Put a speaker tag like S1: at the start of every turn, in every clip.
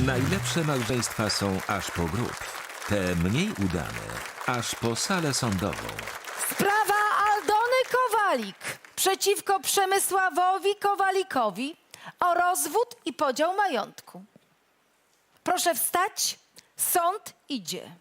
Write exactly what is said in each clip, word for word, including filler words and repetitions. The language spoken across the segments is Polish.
S1: Najlepsze małżeństwa są aż po grób. Te mniej udane aż po salę sądową.
S2: Sprawa Aldony Kowalik przeciwko Przemysławowi Kowalikowi o rozwód i podział majątku. Proszę wstać, sąd idzie.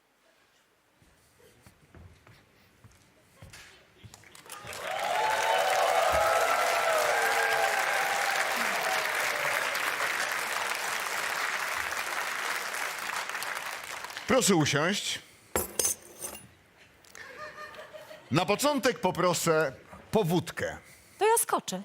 S3: Proszę usiąść. Na początek poproszę powódkę.
S2: To ja skoczę.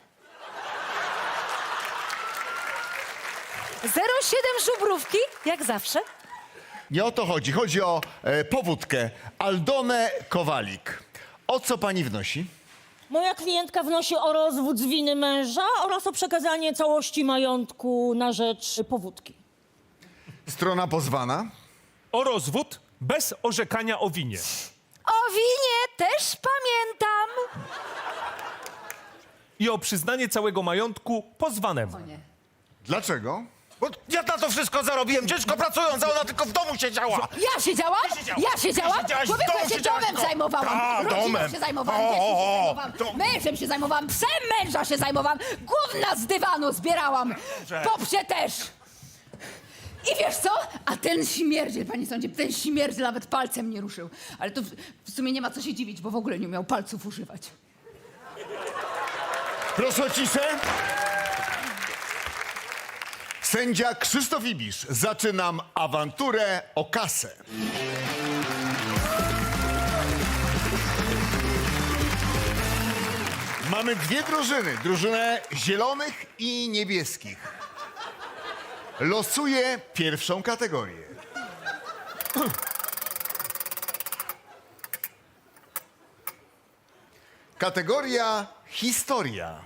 S2: zero siedem żubrówki, jak zawsze.
S3: Nie o to chodzi. Chodzi o e, powódkę. Aldonę Kowalik. O co pani wnosi?
S4: Moja klientka wnosi o rozwód z winy męża oraz o przekazanie całości majątku na rzecz powódki.
S3: Strona pozwana.
S5: O rozwód bez orzekania o winie.
S2: O winie też pamiętam.
S5: I o przyznanie całego majątku pozwanemu.
S3: Dlaczego?
S6: Bo ja na to wszystko zarobiłem, ciężko pracując, a ona tylko w domu siedziała.
S2: Ja siedziałam? Ja siedziałam?
S6: Siedziałaś w
S2: Człowieku,
S6: domu,
S2: ja się
S6: siedziałaś
S2: domem
S6: w domu.
S2: zajmowałam.
S6: Ta,
S2: Rodziną
S6: domem.
S2: się zajmowałam,
S6: O,
S2: dzieckiem się
S6: o,
S2: zajmowałam,
S6: to-
S2: mężem się zajmowałam, psem męża się zajmowałam, gówna z dywanu zbierałam, popsie też. I wiesz co? A ten śmierdziel, panie sądzie, ten śmierdziel nawet palcem nie ruszył. Ale to w, w sumie nie ma co się dziwić, bo w ogóle nie umiał palców używać.
S3: Proszę o ciszę. Sędzia Krzysztof Ibisz. Zaczynam awanturę o kasę. Mamy dwie drużyny. Drużynę zielonych i niebieskich. Losuję pierwszą kategorię. Kategoria historia.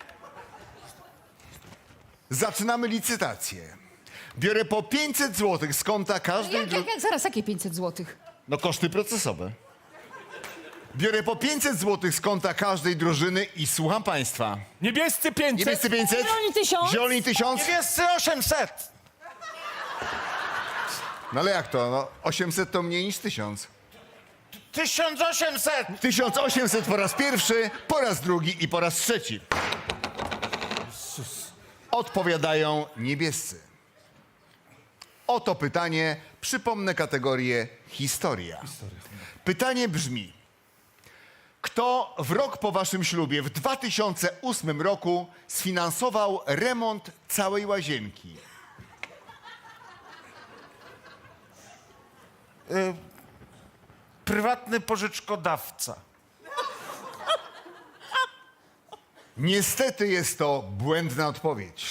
S3: Zaczynamy licytację. Biorę po pięćset złotych z konta każdej...
S2: Jak, jak, jak, zaraz, jakie pięćset złotych?
S3: No koszty procesowe. Biorę po pięćset złotych z konta każdej drużyny i słucham państwa.
S5: Niebiescy pięćset.
S3: Niebiescy pięćset.
S4: Zieloni tysiąc.
S3: Zieloni tysiąc.
S6: Niebiescy osiemset.
S3: No ale jak to? No, osiemset to mniej niż tysiąc.
S6: tysiąc osiemset.
S3: tysiąc osiemset po raz pierwszy, po raz drugi i po raz trzeci. Odpowiadają niebiescy. Oto pytanie. Przypomnę kategorię historia. Pytanie brzmi. Kto w rok po waszym ślubie w dwa tysiące ósmym roku sfinansował remont całej łazienki?
S6: Prywatny pożyczkodawca.
S3: Niestety jest to błędna odpowiedź.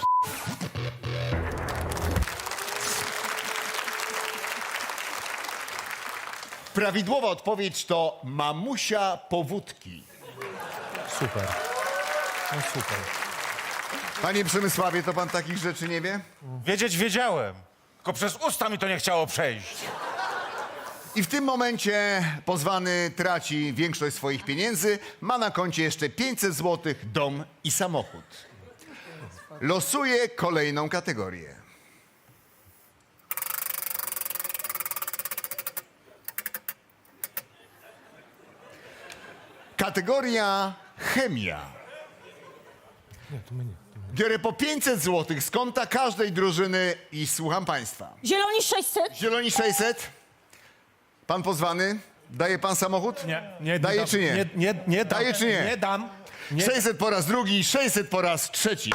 S3: Prawidłowa odpowiedź to mamusia powódki.
S5: Super. No super.
S3: Panie Przemysławie, to pan takich rzeczy nie wie?
S6: Wiedzieć wiedziałem, tylko przez usta mi to nie chciało przejść.
S3: I w tym momencie pozwany traci większość swoich pieniędzy, ma na koncie jeszcze pięćset złotych, dom i samochód. Losuje kolejną kategorię. Kategoria chemia. Biorę po pięćset złotych z konta każdej drużyny i słucham państwa.
S4: Zieloni sześćset.
S3: Zieloni sześćset. Pan pozwany? Daje pan samochód?
S5: Nie, nie
S3: Daje
S5: dam.
S3: czy nie?
S5: Nie, nie, nie dam.
S3: Daje czy nie?
S5: Nie dam. Nie.
S3: sześćset po raz drugi, sześćset po raz trzeci.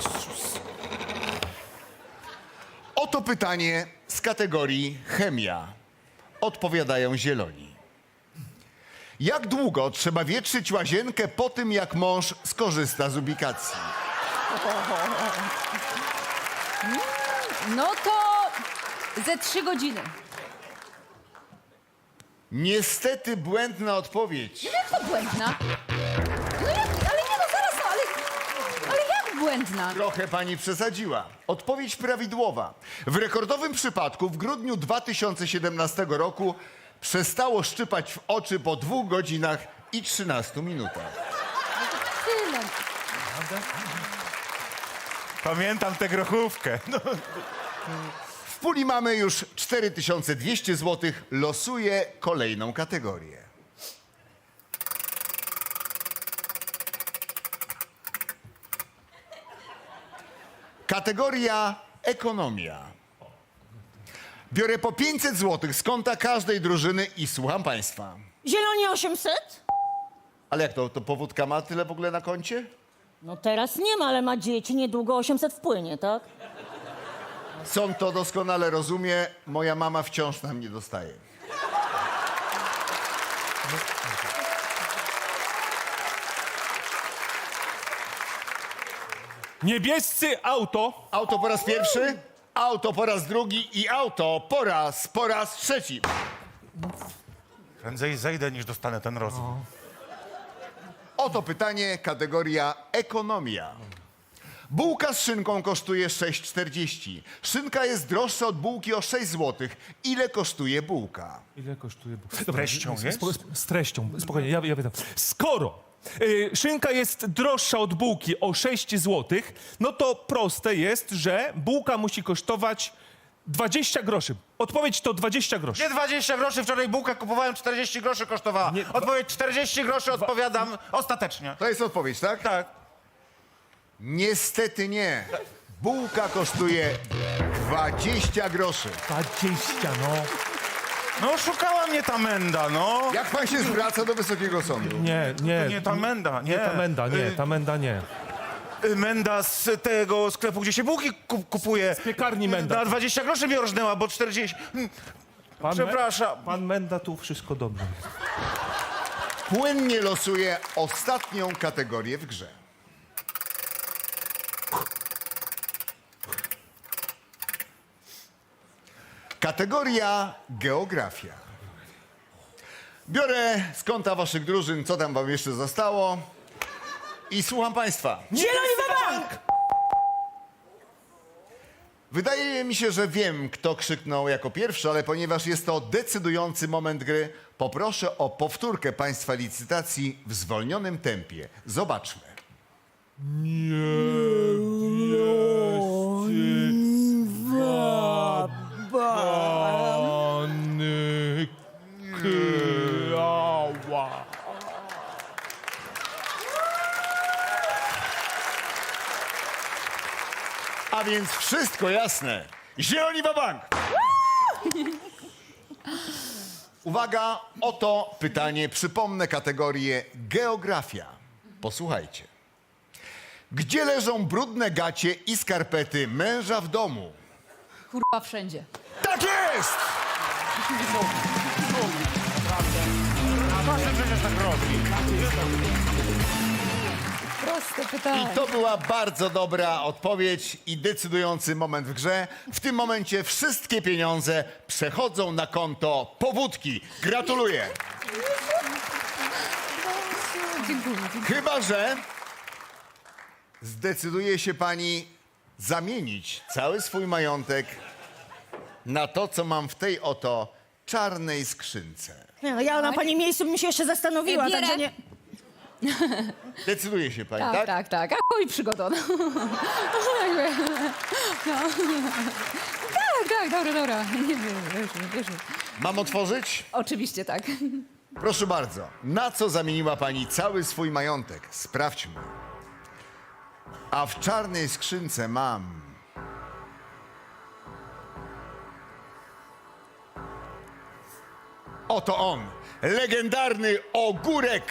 S3: Oto pytanie z kategorii chemia. Odpowiadają zieloni. Jak długo trzeba wietrzyć łazienkę po tym, jak mąż skorzysta z ubikacji?
S2: No to ze trzy godziny.
S3: Niestety błędna odpowiedź.
S2: Jak to błędna? No jak, ale nie no, zaraz, no, ale, ale jak błędna?
S3: Trochę pani przesadziła. Odpowiedź prawidłowa. W rekordowym przypadku w grudniu dwa tysiące siedemnastego roku przestało szczypać w oczy po dwóch godzinach i trzynastu minutach.
S2: Tyle.
S6: Pamiętam tę grochówkę. No.
S3: W puli mamy już cztery tysiące dwieście złotych. Losuję kolejną kategorię. Kategoria ekonomia. Biorę po pięćset złotych z konta każdej drużyny i słucham państwa.
S4: Zieloni osiemset?
S3: Ale jak to, to powódka ma tyle w ogóle na koncie?
S4: No teraz nie ma, ale ma dzieci, niedługo osiemset wpłynie, tak?
S3: Sąd to doskonale rozumie. Moja mama wciąż nam nie dostaje.
S5: Niebiescy auto.
S3: Auto po raz pierwszy, auto po raz drugi i auto po raz, po raz trzeci.
S6: Prędzej zejdę, niż dostanę ten rozwój.
S3: Oto pytanie, kategoria ekonomia. Bułka z szynką kosztuje sześć czterdzieści. Szynka jest droższa od bułki o sześć złotych. Ile kosztuje bułka?
S5: Ile kosztuje?
S6: Z treścią jest?
S5: Z treścią, spokojnie, ja, ja pytam. Skoro y, szynka jest droższa od bułki o sześć złotych, no to proste jest, że bułka musi kosztować dwadzieścia groszy. Odpowiedź to dwadzieścia groszy.
S6: Nie dwadzieścia groszy, wczoraj bułkę kupowałem, czterdzieści groszy kosztowała.
S5: Nie,
S6: Odpowiedź czterdzieści groszy, odpowiadam ostatecznie.
S3: To jest odpowiedź, tak?
S6: Tak.
S3: Niestety nie. Bułka kosztuje dwadzieścia groszy.
S5: dwadzieścia, no.
S6: No szukała mnie ta menda, no.
S3: Jak pan się zwraca do Wysokiego Sądu?
S5: Nie, nie.
S6: Nie ta menda, nie.
S5: Nie ta menda, nie,
S6: Y,
S5: ta menda nie.
S6: y, Menda z tego sklepu, gdzie się bułki kup kupuje. Z
S5: piekarni Menda.
S6: Na dwadzieścia groszy mi orżnęła, bo czterdzieści... Hmm,
S5: Pan
S6: Przepraszam.
S5: Me, pan Menda tu wszystko dobrze.
S3: Płynnie losuję ostatnią kategorię w grze. Kategoria geografia. Biorę z konta waszych drużyn, co tam wam jeszcze zostało. I słucham państwa.
S4: Zieloni wa bank!
S3: Wydaje mi się, że wiem, kto krzyknął jako pierwszy, ale ponieważ jest to decydujący moment gry, poproszę o powtórkę państwa licytacji w zwolnionym tempie. Zobaczmy.
S5: Pany Kyała.
S3: A więc wszystko jasne. Zieloni wa bank! Uwaga, oto pytanie. Przypomnę kategorię geografia. Posłuchajcie. Gdzie leżą brudne gacie i skarpety męża w domu?
S2: Kurwa wszędzie.
S3: Tak jest!
S6: Proszę przecież tak robi.
S2: Proste pytanie.
S3: I to była bardzo dobra odpowiedź i decydujący moment w grze. W tym momencie wszystkie pieniądze przechodzą na konto powódki. Gratuluję.
S2: Dziękuję.
S3: Chyba że zdecyduje się pani zamienić cały swój majątek na to, co mam w tej oto czarnej skrzynce.
S4: Nie, no ja na pani miejscu bym się jeszcze zastanowiła,
S2: Bierę.
S4: także nie...
S3: Decyduje się pani,
S2: Tak,
S3: tak?
S2: tak, tak. A chuj przygoda. No. Jakby. No. Tak, tak, dobra, dobra. Nie wiem, wiesz, wiesz.
S3: Mam otworzyć?
S2: Oczywiście tak.
S3: Proszę bardzo. Na co zamieniła pani cały swój majątek? Sprawdźmy. A w czarnej skrzynce mam... Oto on. Legendarny ogórek.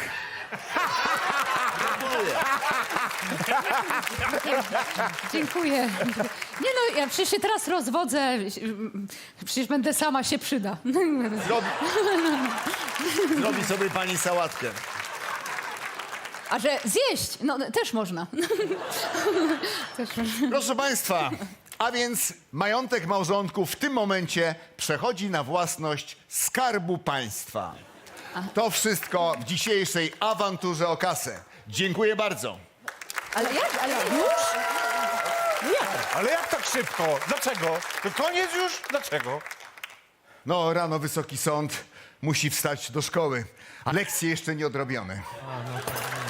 S2: Dziękuję. Nie no, ja przecież się teraz rozwodzę. Przecież będę sama, się przyda.
S3: Zrobi... Zrobi sobie pani sałatkę.
S2: A że zjeść, no też można. Też można.
S3: Proszę państwa, a więc majątek małżonków w tym momencie przechodzi na własność Skarbu Państwa. To wszystko w dzisiejszej awanturze o kasę. Dziękuję bardzo.
S2: Ale jak? Ale już?
S6: Ale jak tak szybko? Dlaczego? To koniec już? Dlaczego?
S3: No, rano Wysoki Sąd musi wstać do szkoły, a lekcje jeszcze nie odrobione.